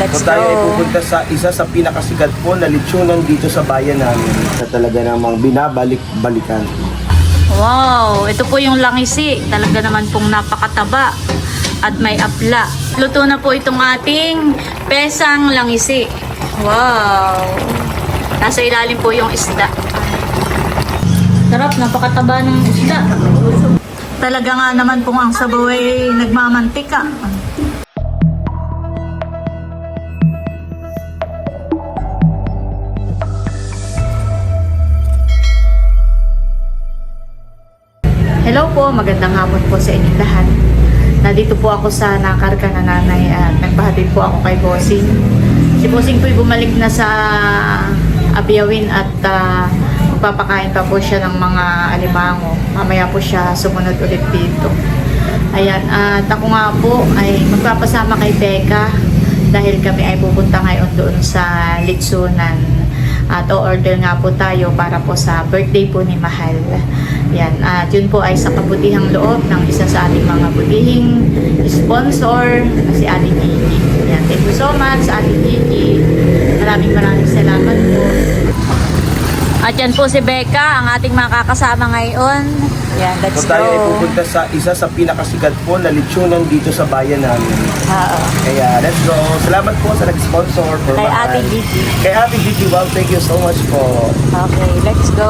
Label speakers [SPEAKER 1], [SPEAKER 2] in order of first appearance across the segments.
[SPEAKER 1] Let's
[SPEAKER 2] So tayo ay
[SPEAKER 1] go.
[SPEAKER 2] pupunta sa isa sa pinakasikat po na lechonan dito sa bayan namin na talaga namang binabalik-balikan.
[SPEAKER 1] Wow, ito po yung langisi. Talaga naman pong napakataba at may apla. Luto na po itong ating pesang langisi. Wow. Nasa ilalim po yung isda. Sarap, napakataba ng isda. Talaga nga naman pong ang sabaw ay nagmamantika. Hello po, magandang hapon po sa inyong lahat. Nandito po ako sa nakarga na nanay at nagpahatid po ako kay Bossing. Si Bossing po ay bumalik na sa Abiyawin at magpapakain pa po siya ng mga alimango. Mamaya po siya sumunod ulit dito. Ayan, at ako nga po ay magpapasama kay Becca dahil kami ay pupunta ngayon doon sa Litsunan. At o-order nga po tayo para po sa birthday po ni Mahal. Yan. At yun po ay sa kabutihang loob ng isa sa ating mga butihing sponsor na si Ate Gigi. Yan. Thank you so much sa Ate Gigi. Maraming salamat po. At yan po si Becca, ang ating makakasama ngayon. Yan, let's
[SPEAKER 2] So tayo ay
[SPEAKER 1] go.
[SPEAKER 2] pupunta sa isa sa pinakasikat po na lechonan dito sa bayan namin.
[SPEAKER 1] Oo.
[SPEAKER 2] Kaya let's go. Salamat po sa nag-sponsor for
[SPEAKER 1] Kay
[SPEAKER 2] Mahal.
[SPEAKER 1] Ate Gigi.
[SPEAKER 2] Kay Ate Gigi, wow, thank you so much po.
[SPEAKER 1] Okay, let's go.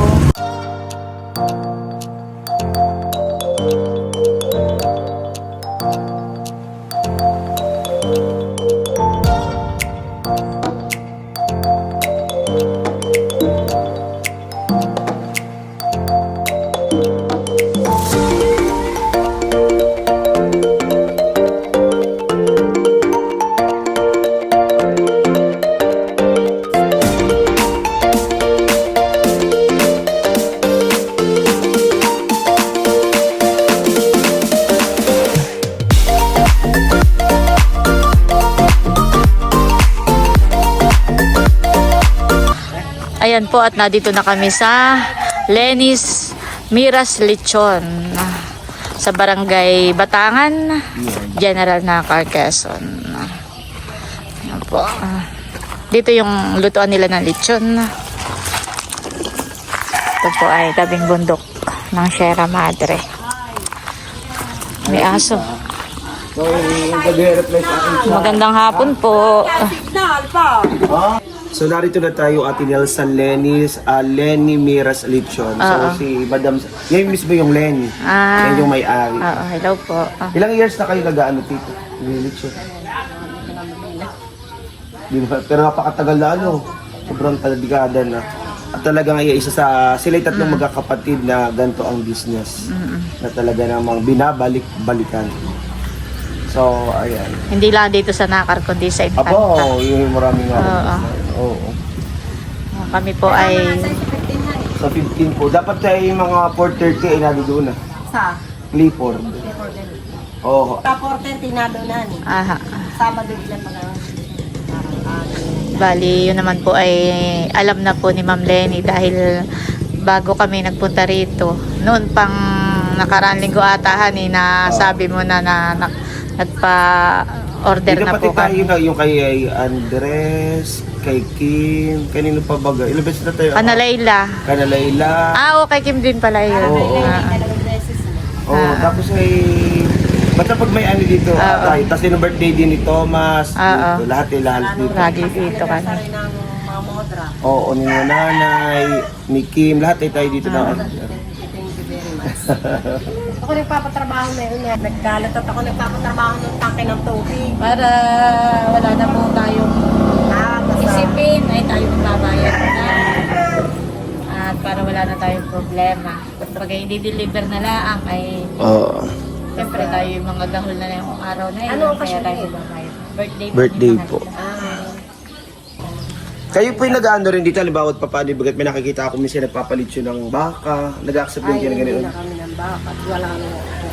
[SPEAKER 1] Ayan po at nandito na kami sa Lenny's Miras Lechon sa Barangay Batangan, General Nakar, Quezon. Ayan po. Dito yung lutuan nila ng lechon. Ito po ay tabing bundok ng Sierra Madre. May aso.
[SPEAKER 2] So, nag-reply sa akin.
[SPEAKER 1] Magandang hapon po.
[SPEAKER 2] So narito na tayo Ate Nel sa Lenny's, Lenny Miras Lechon. So si Madam, yan mismo yung Lenny. Yan yung may-ari.
[SPEAKER 1] Oo, hello po.
[SPEAKER 2] Ilang years na kayo nag-ano dito? Lechon? Di ba? Pero napakatagal na ano. Sobrang dekada na. At talagang isa sa, sila'y tatlong magkakapatid na ganito ang business. Na talaga namang binabalik-balikan. So, ayan.
[SPEAKER 1] Hindi lang dito sa Nakar, kundi sa Infanta.
[SPEAKER 2] Apo, yung maraming nga. Oo.
[SPEAKER 1] Kami po ay...
[SPEAKER 2] Sa 15 po. Dapat tayo yung mga 4:30 ay nadoon na.
[SPEAKER 3] Sa?
[SPEAKER 2] Clifford. Oo.
[SPEAKER 3] Sa 4:30 na doon na ni.
[SPEAKER 1] Aha.
[SPEAKER 3] Sabado ilan mga
[SPEAKER 1] Bali, yun naman po ay alam na po ni Ma'am Lenny dahil bago kami nagpunta rito. Noon pang nakaraan linggo atahan na sabi mo na nagpa-order na po
[SPEAKER 2] tayo
[SPEAKER 1] kami.
[SPEAKER 2] na yung kay Andres, kay Kim, kanino pa baga? Ilang beses na tayo?
[SPEAKER 1] Kanalayla.
[SPEAKER 2] Kanalayla.
[SPEAKER 1] Okay, Kim din pala yun.
[SPEAKER 2] Oo.
[SPEAKER 3] dalawang beses na.
[SPEAKER 2] Oo, tapos ay basta pag may ano dito, tayo. Tapos yung birthday din ni Thomas, dito, lahat dito.
[SPEAKER 1] Lagi dito kami.
[SPEAKER 3] Rin ng mga modra.
[SPEAKER 2] Oo, ni nanay, ni Kim, lahat ay tayo dito na.
[SPEAKER 3] Thank you very much. Ako nagpapatrabaho na yun. Nagkalat at ako nagpapatrabaho ng tangke ng tubig.
[SPEAKER 1] Para wala na po tayong
[SPEAKER 3] Basta
[SPEAKER 1] isipin ay tayo magbabayad na. At para wala na tayong problema. Pag hindi deliver na lang ay
[SPEAKER 2] Oo.
[SPEAKER 1] siyempre tayo yung mga dahol na yung araw na yun.
[SPEAKER 3] Ano ang
[SPEAKER 1] Kaya
[SPEAKER 3] occasion
[SPEAKER 1] tayo
[SPEAKER 3] yun?
[SPEAKER 1] magbabayad. Birthday
[SPEAKER 2] Birthday
[SPEAKER 1] ni
[SPEAKER 2] po.
[SPEAKER 1] Mahal.
[SPEAKER 2] Kayo po yung nag-ano rin dito, halimbawa at papaano, bagat may nakikita ako minsan nagpapalit yun ng baka, nag-accept din
[SPEAKER 3] ay
[SPEAKER 2] kayo ng
[SPEAKER 3] hindi
[SPEAKER 2] ganun.
[SPEAKER 3] na kami ng bakat. Wala na.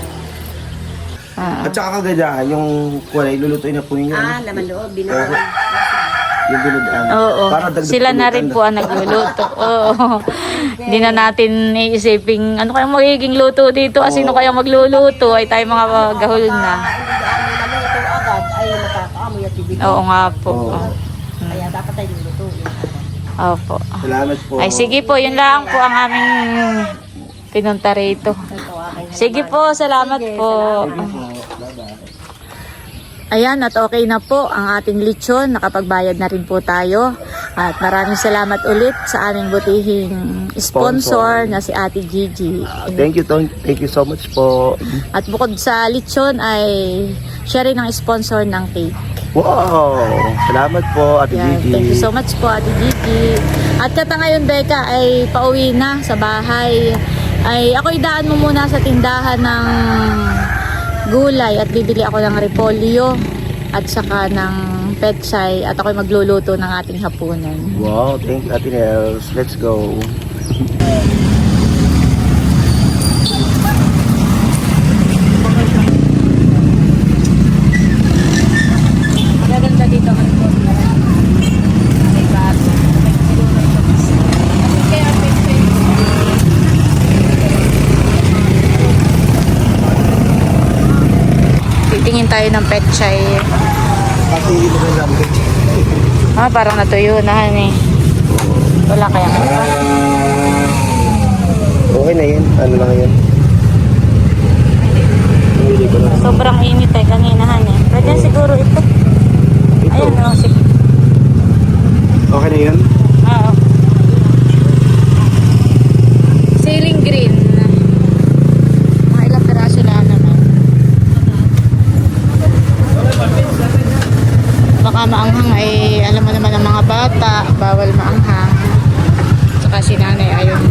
[SPEAKER 1] Ah.
[SPEAKER 2] At saka kagandahan, yung kulay, lulutuin na po ninyo.
[SPEAKER 3] Laman loob. Binawan.
[SPEAKER 2] Yung binudaan.
[SPEAKER 1] Oo.
[SPEAKER 2] Para dagdag
[SPEAKER 1] Sila na
[SPEAKER 2] pulutan
[SPEAKER 1] rin po ang nagluluto. Oo. Hindi na natin iisiping ano kayang magiging luto dito. Sino kayang magluluto? Ay tayo mga gahol na.
[SPEAKER 3] Hindi ano naluto agad ay nakakaamoy at ibig
[SPEAKER 1] Oo nga po.
[SPEAKER 2] Oo.
[SPEAKER 3] Kaya dapat tayo lulutuin.
[SPEAKER 1] Opo.
[SPEAKER 2] Salamat po.
[SPEAKER 1] Ay sige po, yun lang po ang aming pinunta rito.
[SPEAKER 3] Ito, akin na
[SPEAKER 1] Sige
[SPEAKER 3] naman.
[SPEAKER 1] po, salamat
[SPEAKER 3] Sige,
[SPEAKER 1] po. Ayan, at okay na po ang ating lechon. Nakapagbayad na rin po tayo. At maraming salamat ulit sa aming butihing sponsor na si Ate Gigi.
[SPEAKER 2] Thank you so much po.
[SPEAKER 1] At bukod sa lechon ay siya rin ang sponsor ng cake.
[SPEAKER 2] Wow! Salamat po, Ate
[SPEAKER 1] Yan,
[SPEAKER 2] Gigi.
[SPEAKER 1] thank you so much po, Ate Gigi. At kata ngayon, Becca, ay pauwi na sa bahay. Ay ako'y daan mo muna sa tindahan ng gulay at bibili ako ng repolyo at saka ng pechay at ako'y magluluto ng ating hapunan.
[SPEAKER 2] Wow, thank you, Ate Nels. Let's go.
[SPEAKER 1] Magaganda dito ang repolyo. May bago. Kaya pechay. Titingin tayo ng pechay.
[SPEAKER 2] Kasi hindi mo lang
[SPEAKER 1] Parang natuyo na eh. Wala kaya.
[SPEAKER 2] Okay na yan. Ano lang yan? Hindi ko na.
[SPEAKER 1] Sobrang init eh kaninahan eh. Pwede siguro ito.
[SPEAKER 2] Ito.
[SPEAKER 1] Ayun oh, sige.
[SPEAKER 2] Okay na yan?
[SPEAKER 1] Oo. Ceiling green. Mga ilang piraso lang naman. Baka maanghang ay alam mo naman ang mga bata, bawal maanghang. Tsaka si nanay ayun.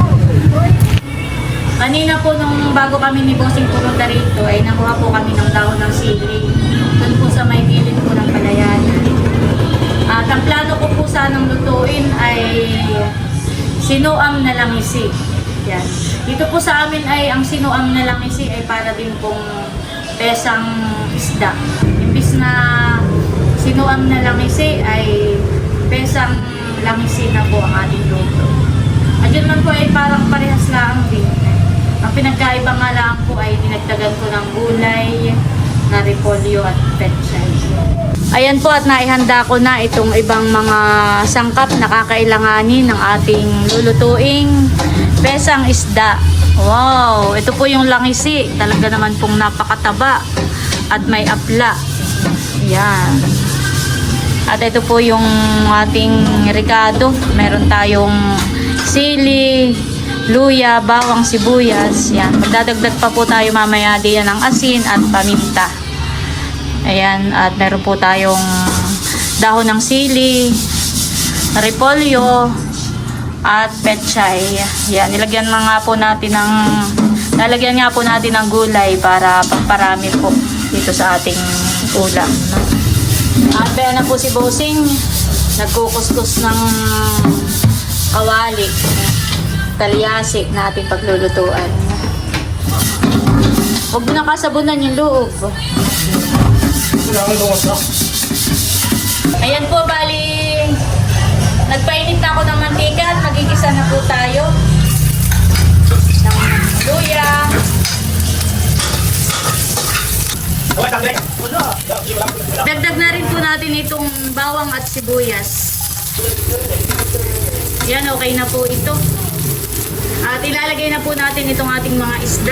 [SPEAKER 1] Kanina po nung bago kami ni Bossing pumunta rito ay nakuha po kami ng dahon ng sili. Doon po sa may gilid po ng palayanan. At ang plano ko po sanang lutuin ay sinuam na langisi. Yan. Dito po sa amin ay ang sinuam na langisi ay para din pong pesang isda. Imbis na sinuam na langisi ay pesang langisi na po ang ating luto. At yun man po ay parang parehas lang din. Ang pinagkaiba nga lang po ay dinagdagan ko ng gulay, na repolyo at pechay. Ayan po at naihanda ko na itong ibang mga sangkap na kakailanganin ng ating lulutuing pesang isda. Wow! Ito po yung langisi. Talaga naman pong napakataba at may apla. Yan. At ito po yung ating ricado. Meron tayong sili, luya, bawang, sibuyas. Yan. Magdadagdag pa po tayo mamaya diyan ng asin at paminta. Ayan. At meron po tayong dahon ng sili, repolyo, at pechay. Yan. Nilagyan na nga po natin ng lalagyan nga po natin ng gulay para pagparami po dito sa ating ulam. No? At kaya na po si Bossing nagkukuskus ng kawali, talyasi na ating paglulutuan. Huwag mo na kasabunan yung loob. Ayan po, bali nagpainit na ako ng mantika at magigisa na po tayo ng luya. Dagdag na rin po natin itong bawang at sibuyas. Yan, okay na po ito. At ilalagay na po natin itong ating mga isda.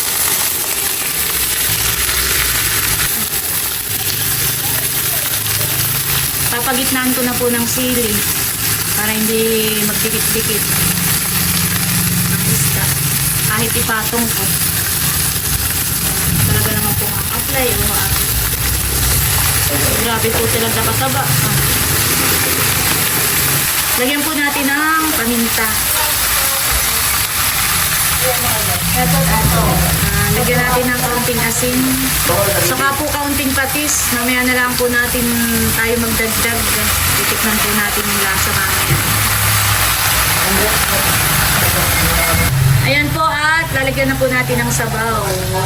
[SPEAKER 1] Papagitnaan ko na po ng sili para hindi magdikit-dikit ang isda. Kahit ipatong ko. Talaga naman po ang apply. Grabe po sila nakataba. Lagyan po natin ng paminta. Lagyan natin ng kaunting asin. Saka po kaunting patis. Mamaya na lang po natin tayo magdagdag. Titikman po natin yung lasa mamaya. Ayan po at lalagyan na po natin ng sabaw.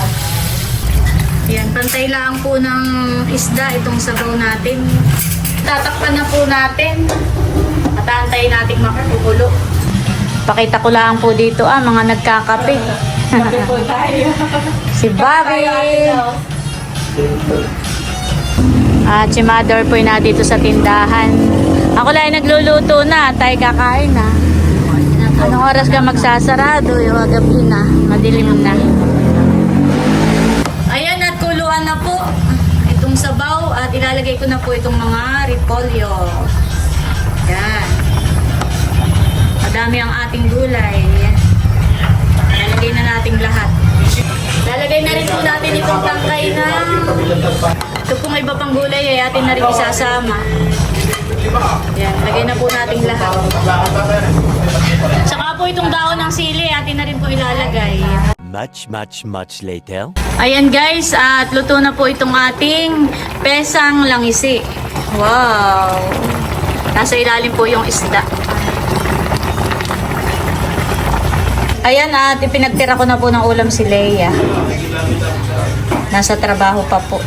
[SPEAKER 1] Ayan, pantay lang po ng isda itong sabaw natin. Tatakpan na po natin. At antayin natin makukulo. Pakita ko lang po dito mga nagkakape. Kape po tayo. Si Bobby. At si mother po na dito sa tindahan. Ako lang ay nagluluto na. Tayo kakain na. Anong oras ka magsasarado? Yung gabi na. Madilim na. Ayan at kuluan na po. Itong sabaw at ilalagay ko na po itong mga repolyo. Yan. Madami ang ating gulay. Lalagay na natin lahat. Lalagay na rin po natin itong tangkay na ito pong iba pang gulay ay atin na rin isasama. Yan, lagay na po natin lahat. Saka po itong daon ng sili atin na rin po ilalagay.
[SPEAKER 4] Much later.
[SPEAKER 1] Ayan guys, at luto na po itong ating pesang langisi. Wow! Nasa ilalim po yung isda. Ayan at ipinagtira ko na po ng ulam si Leia. Nasa trabaho pa po.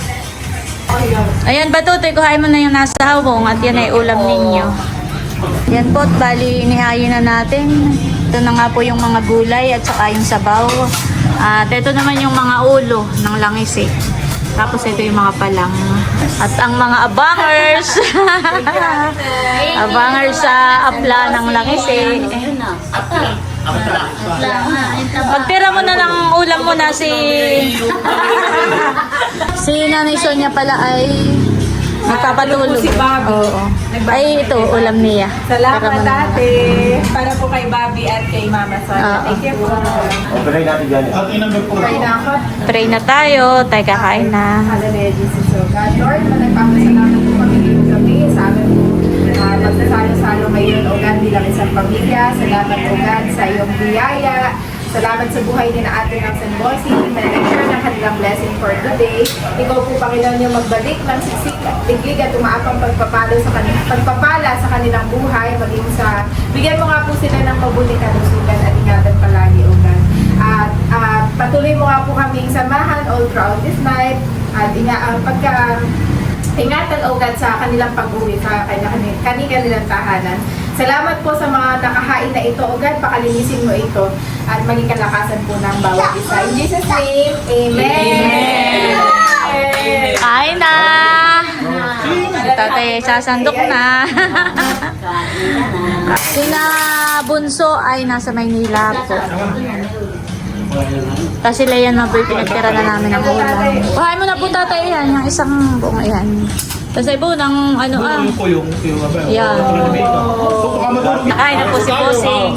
[SPEAKER 1] Ayan Batutoy, kuhain mo na yung nasa hawong at yan ay ulam ninyo. Yan po, bali inihayin na natin. Ito na nga po yung mga gulay at saka yung sabaw. At ito naman yung mga ulo ng langis eh. Tapos ito yung mga palang. At ang mga abangers. Abangers sa apla ng langis eh. Pagtira mo na ng ulam mo na si Nanay Sonia pala ay nagpapatulog. Oo. Ay ito ulam niya.
[SPEAKER 3] Salamat ate. Para po kay Bobby at kay Mama Sonia. Thank you po.
[SPEAKER 2] Operay natin dyan.
[SPEAKER 3] Pray na ako.
[SPEAKER 1] Pray na tayo. Tayo kakain na.
[SPEAKER 3] Hallelujah, Jesus, O God. Lord, nagpapasalamat po kami ngayong gabi sa amin po. Magsasalo-salo ngayon, O God, bilang isang pamilya. Salamat, O God, sa iyong biyaya. Salamat sa buhay din na ating ng San Bossy na nag-share ng kanilang blessing for today. Ikaw po, Panginoon, yung magbalik ng sisik at tiglig at umaapang pagpapala sa kanilang buhay. Maging sa, bigyan mo nga po sila ng mabuting kalusugan at ingatan palagi, O God. At patuloy mo nga po kaming samahan all throughout this night. At ingatan, O God, sa kanilang pag-uwi, sa kanilang tahanan. Salamat po sa mga nakahain na ito, O God, pakalinisin mo ito at maging kalakasan po ng bawat isa. In Jesus' name, Amen!
[SPEAKER 1] Kain na! Tatay, sasandok na. Sina Bunso ay nasa Maynila po. Kasi Leia na po pinagtira na namin ng ulam. Kuhain mo na po tatay yan, yung isang buong yan. Kasi po ng ano yan. Nakain na po si Bossing.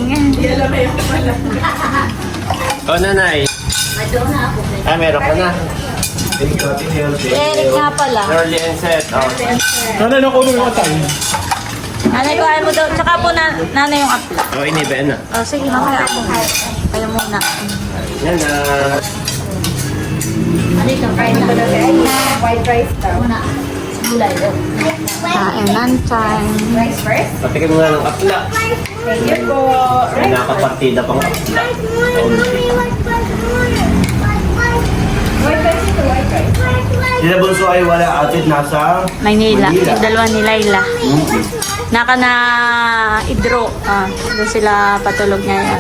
[SPEAKER 4] Nanay. Meron ka na.
[SPEAKER 1] Si Eric nga pala.
[SPEAKER 4] Early and set.
[SPEAKER 5] Nanay, nakuha mo yung atay.
[SPEAKER 1] Nanay, kuhain mo daw. Tsaka po nanay yung apla.
[SPEAKER 4] Iniba na.
[SPEAKER 1] Sige, mamaya ako. Kayo muna.
[SPEAKER 4] Yan na.
[SPEAKER 3] Kain na ba natin? White rice daw.
[SPEAKER 1] Kainan time.
[SPEAKER 3] Rice first?
[SPEAKER 4] Patikin mo nga ng apla.
[SPEAKER 3] Thank you po.
[SPEAKER 4] May nakapartida pang apla.
[SPEAKER 3] White rice ito, white rice.
[SPEAKER 2] Sila Bunso ay wala atit nasa
[SPEAKER 1] Maynila. Yung dalawa ni Laila. Naka na idro. Doon sila patulog ngayon.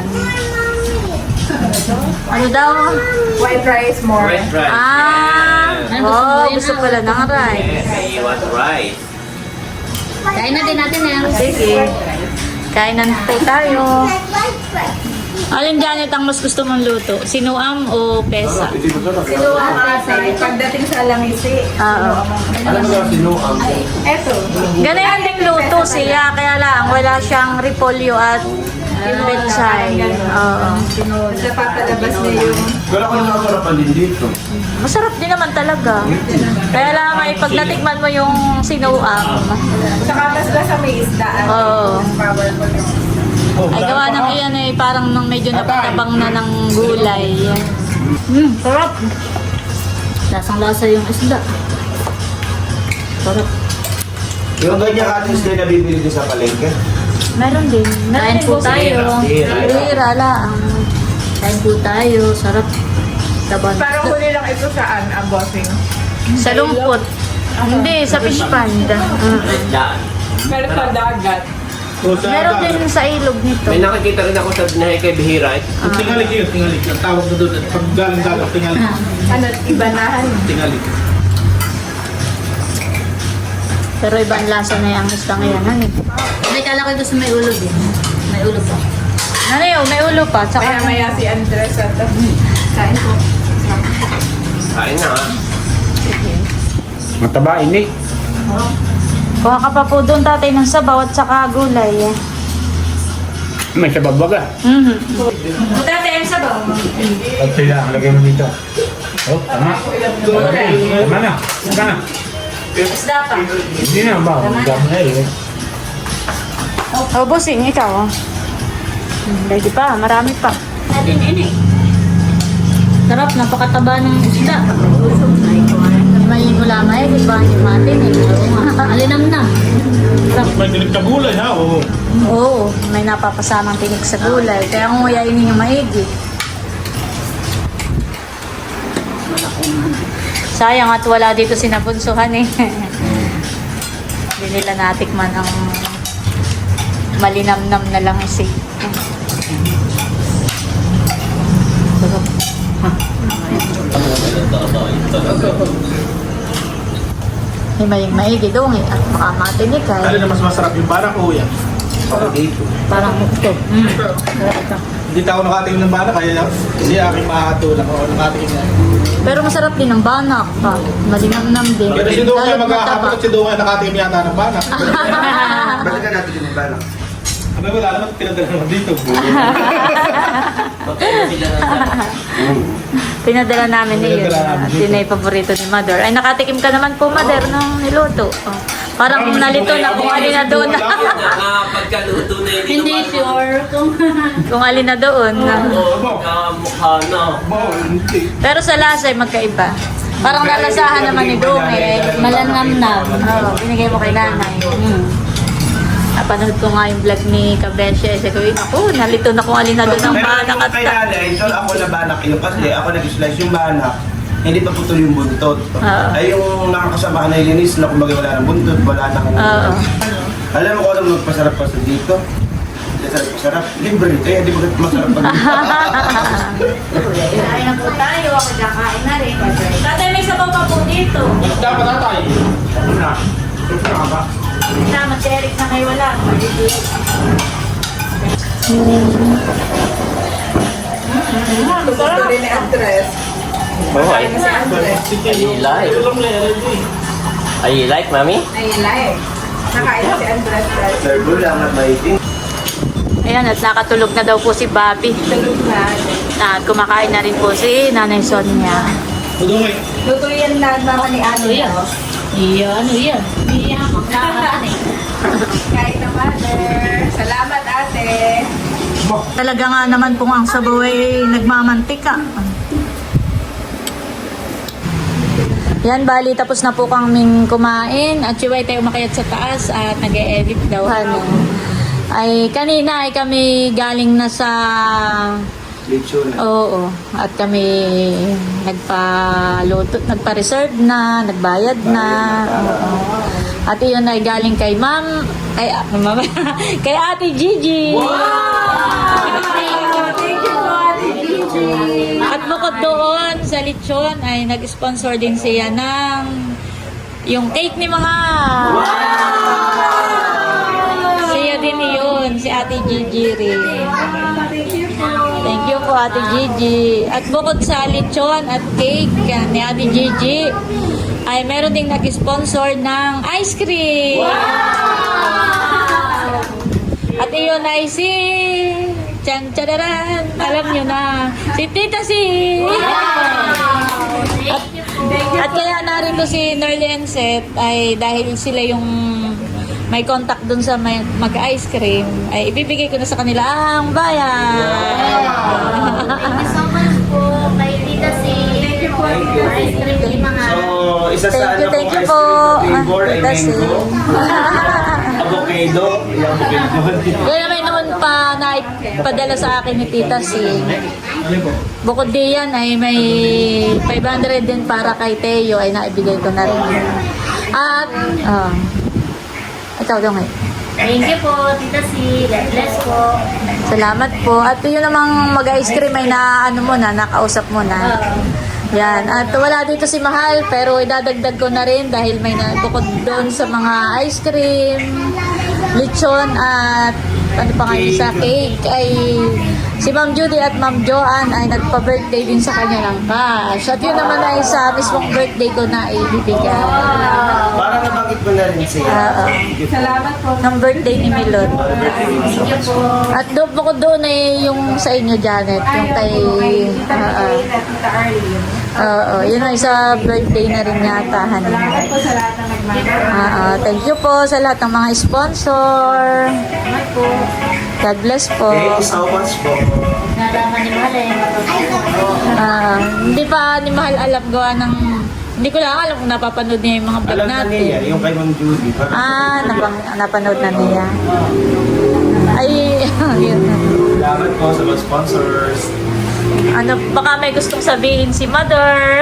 [SPEAKER 1] Ano daw?
[SPEAKER 3] White rice more.
[SPEAKER 4] Red rice.
[SPEAKER 1] Gusto pala ng rice.
[SPEAKER 4] Yes, you want rice.
[SPEAKER 1] Kain na din natin yan. Sige. Kainan po tayo. Alin Janet ang mas gusto mong luto? Sinuam o pesa?
[SPEAKER 3] Sinuang ate. Pagdating sa langisi.
[SPEAKER 1] Oo.
[SPEAKER 2] Alam mo na sinuang.
[SPEAKER 3] Eto.
[SPEAKER 1] Ganyan ding luto siya. Kaya lang, wala siyang repolyo at pechay. Oo.
[SPEAKER 3] Sa papalabas niya yung
[SPEAKER 2] Pero kung nakasarapan din dito.
[SPEAKER 1] Masarap din naman talaga. Kaya lang ay pag natikman mo yung sinuam.
[SPEAKER 3] saka mas sa may isda.
[SPEAKER 1] Oo.
[SPEAKER 3] Powerful.
[SPEAKER 1] Ay gawa ng iyan ay parang nang medyo napatabang na ng gulay. Sarap. Lasang lasa yung isda. Sarap.
[SPEAKER 2] Yung ganyan atis din na bibili din sa palengke.
[SPEAKER 1] Meron din. Kain po tayo. Hira lang. Kain po tayo. Sarap. Taban.
[SPEAKER 3] Parang huli lang ito saan ang bossing.
[SPEAKER 1] Sa lumpot. Hindi, sa fish pond.
[SPEAKER 4] Daan.
[SPEAKER 3] Pero sa dagat.
[SPEAKER 1] Meron din sa ilog nito.
[SPEAKER 4] May nakikita rin ako sa binahe kay Bihira.
[SPEAKER 5] Tingalik yun, tingalik. Ang tawag na doon, pag galing dagat, tingalik.
[SPEAKER 3] Ano, ibanahan.
[SPEAKER 5] Tingalik.
[SPEAKER 1] Pero iba ang lasa na yung isda ngayon. Ano eh? May kala ko gusto may ulo din. May ulo pa. Ano yun? May ulo pa. Tsaka
[SPEAKER 3] Maya si Andres at kain po.
[SPEAKER 4] Kain na ha.
[SPEAKER 5] Mataba, ini.
[SPEAKER 1] kuha ka pa po doon tatay ng sabaw at saka gulay.
[SPEAKER 5] May sababaga.
[SPEAKER 1] Tatay ang sabaw.
[SPEAKER 5] At sila, lagay mo dito. Oh, tama. Tama na. Tama na.
[SPEAKER 1] Isda pa.
[SPEAKER 5] Hindi na ba? Tama na eh.
[SPEAKER 1] Oh, bossing, ikaw. Lagi pa, marami pa. Natin, ini. Sarap, napakataba ng isda. May gulamay, di ba? Yung matin, eh. Alinamnam. Sarap.
[SPEAKER 5] May dinig na gulay ha? Oo.
[SPEAKER 1] Oo, may napapasamang tinig sa gulay. Kaya kung uyain ninyo maigi. Sayang at wala dito si Nabunsuhan eh. Hindi nila natikman ang malinamnam na lang isi. Himayang maigi doon eh. At makamatinig
[SPEAKER 5] Ano
[SPEAKER 1] ay
[SPEAKER 5] na mas masarap yung banak o yan?
[SPEAKER 1] parang mukto.
[SPEAKER 5] Hindi ako nakatingin ng banak, kaya hindi aking makakatulak o nakatingin na.
[SPEAKER 1] Pero masarap din ang banak pa. Malinamnam din.
[SPEAKER 5] Pero si Dungay
[SPEAKER 1] Lalo't
[SPEAKER 5] maghahapon
[SPEAKER 1] mataba.
[SPEAKER 5] at si Dungay nakatingin yata ng banak.
[SPEAKER 2] Balikan natin yung balak.
[SPEAKER 5] Abay wala naman pinadala naman dito.
[SPEAKER 4] Magkano sila na sa...
[SPEAKER 1] Pinadala namin ni yun.
[SPEAKER 5] Pinadala namin
[SPEAKER 1] At
[SPEAKER 5] dito.
[SPEAKER 1] yun ay paborito ni Mother. Ay, nakatikim ka naman po, Mother, nung niluto. Oh. Parang nalito na kung alin na doon.
[SPEAKER 4] Pagkaluto na
[SPEAKER 1] Hindi sure kung alin na doon.
[SPEAKER 4] Kamukha na.
[SPEAKER 1] Pero sa lasa ay magkaiba. Parang nalasahan naman ni Dong eh. Malanamnam. Oo, binigay mo kay nanay. Napanood ko nga yung vlog ni Kabeshe. Sabi ko, naku, nalito na kung alin na doon ang banak at
[SPEAKER 2] kay nanay, so ako na banak yun kasi ako nag-slice yung banak, hindi pa putol yung buntot.
[SPEAKER 1] Oo.
[SPEAKER 2] Ay yung nakakasama na ilinis na kumbaga wala ng buntot, wala nang...
[SPEAKER 1] Oo.
[SPEAKER 2] Alam mo kung anong magpasarap pa sa dito? Masarap. Libre. Kaya di ba masarap pag
[SPEAKER 1] Kain na po tayo. Ako kakain na rin. Tatay, may sabaw pa po dito.
[SPEAKER 5] Dapat tatay. Ano na? Ano na ba?
[SPEAKER 1] Tama, si Eric na kayo wala.
[SPEAKER 3] Gusto rin ni Andres.
[SPEAKER 4] Oh, I
[SPEAKER 3] Si Andres.
[SPEAKER 4] like. I like, mami?
[SPEAKER 3] Ay, like. Nakain na si Andres.
[SPEAKER 2] servo lang at maiting.
[SPEAKER 1] Ayan, at nakatulog na daw po si Bobby.
[SPEAKER 3] Tulog na.
[SPEAKER 1] At kumakain na rin po si Nanay Sonia.
[SPEAKER 5] Dungay.
[SPEAKER 3] Luto yan na naman ni Ano.
[SPEAKER 1] Iyan, iyan. Iyan,
[SPEAKER 3] Kain na, Mother. Salamat, ate.
[SPEAKER 1] Talaga nga naman pong ang sabaw ay nagmamantika. Yan, bali, tapos na po kaming kumain at siway tayo umakyat sa taas at nag-e-edit daw. Ano. Ay, kanina ay kami galing na sa...
[SPEAKER 2] Lechon.
[SPEAKER 1] Oo, at kami nagpa-reserve na, nagbayad na. Oo. At iyon ay galing kay Ma'am, kay Ate Gigi. Wow! Thank you po, Ate Gigi. At bukod doon sa lechon ay nag-sponsor din siya ng yung cake ni mga. Siya din yun, si Ate Gigi rin. Thank you po, Ate Gigi. At bukod sa lechon at cake ni Ate Gigi, ay meron ding nag-sponsor ng ice cream. Wow! At iyon ay si... Chan chararan! Alam nyo na, si Tita Si! At kaya narito si Nerly and Seth ay dahil sila yung may contact dun sa mag-ice cream, ay ibibigay ko na sa kanila ang bayan.
[SPEAKER 6] Thank you so much po kay Tita Si. Thank you po. Ice cream ni mga.
[SPEAKER 2] So, isa sa
[SPEAKER 1] Thank you
[SPEAKER 2] ice
[SPEAKER 1] po.
[SPEAKER 2] cream flavor ay
[SPEAKER 1] Tita Si.
[SPEAKER 2] mango. Avocado. Yung avocado.
[SPEAKER 1] Kaya may naman pa na padala sa akin ni Tita Si. Bukod diyan ay may 500 din para kay Teo ay naibigay ko na rin. At, ikaw daw ngayon.
[SPEAKER 6] Thank you po, Tita Si. God bless po.
[SPEAKER 1] Salamat po. At yun namang mag-ice cream ay na ano mo na, nakausap mo na. Yan. At wala dito si Mahal, pero idadagdag ko na rin dahil may bukod doon sa mga ice cream, lechon at ano pa nga yun sa cake ay si Ma'am Judy at Ma'am Joanne ay nagpa-birthday din sa kanya ng cash. At yun naman ay sa mismong birthday ko na ibibigay.
[SPEAKER 2] Para nabanggit mo na rin siya.
[SPEAKER 3] Salamat po.
[SPEAKER 1] Ng birthday ni Milot. At bukod doon ay yung sa inyo, Janet. Yung kay...
[SPEAKER 3] Tita Elaine at Tita Arlene.
[SPEAKER 1] Oo, yun ay sa birthday na rin yata.
[SPEAKER 3] Salamat po sa lahat ng nagmamahal.
[SPEAKER 1] Thank you po sa lahat ng mga sponsor.
[SPEAKER 3] Salamat po.
[SPEAKER 1] God bless po.
[SPEAKER 2] Thank you so much po.
[SPEAKER 6] Nalaman ni Mahal eh.
[SPEAKER 1] Hindi pa ni Mahal alam gawa ng... Hindi ko lang alam kung napapanood niya yung mga vlog
[SPEAKER 2] Alam na niya,
[SPEAKER 1] natin.
[SPEAKER 2] yung kay Ma'am Judy.
[SPEAKER 1] Napanood na niya. Ay, yun.
[SPEAKER 2] Salamat po sa mga sponsors.
[SPEAKER 1] Ano, baka may gustong sabihin si Mother.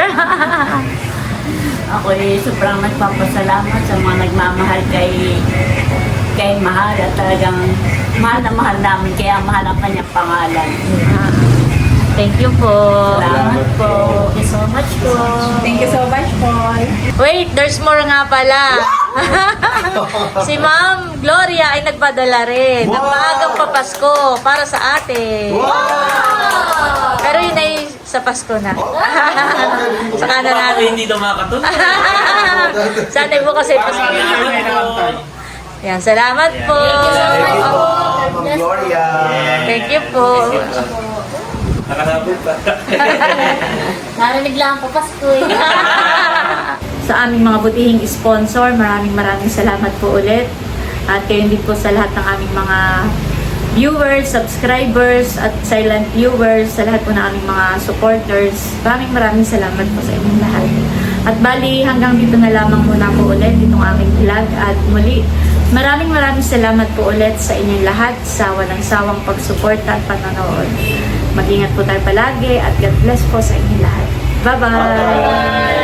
[SPEAKER 7] Ako sobrang nagpapasalamat sa mga nagmamahal kay Mahal at talagang mahal na mahal namin kaya mahal ang kanyang pangalan.
[SPEAKER 1] Thank you po.
[SPEAKER 7] Salamat po.
[SPEAKER 6] Thank you so much po.
[SPEAKER 3] Thank you so much, Paul.
[SPEAKER 1] Wait, there's more nga pala. Si Ma'am Gloria ay nagpadala rin ng maagang papasko para sa ate. Pero yun ay sa Pasko na. Sa kanan
[SPEAKER 4] Ako
[SPEAKER 1] natin.
[SPEAKER 4] hindi daw makatulog.
[SPEAKER 1] Sana po kasi Pasko. Yan, salamat po.
[SPEAKER 2] Thank you po, Ma'am Gloria.
[SPEAKER 1] Thank you po.
[SPEAKER 4] Nakasabog pa.
[SPEAKER 6] Narinig lang po Pasko eh.
[SPEAKER 1] Sa aming mga butihing sponsor, maraming salamat po ulit. At kayo din po sa lahat ng aming mga viewers, subscribers, at silent viewers, sa lahat po ng aming mga supporters. Maraming salamat po sa inyong lahat. At bali, hanggang dito na lamang muna po ulit itong aming vlog. At muli, maraming salamat po ulit sa inyong lahat sa walang sawang pagsuporta at panonood. Mag-ingat po tayo palagi at God bless po sa inyong lahat. Bye-bye!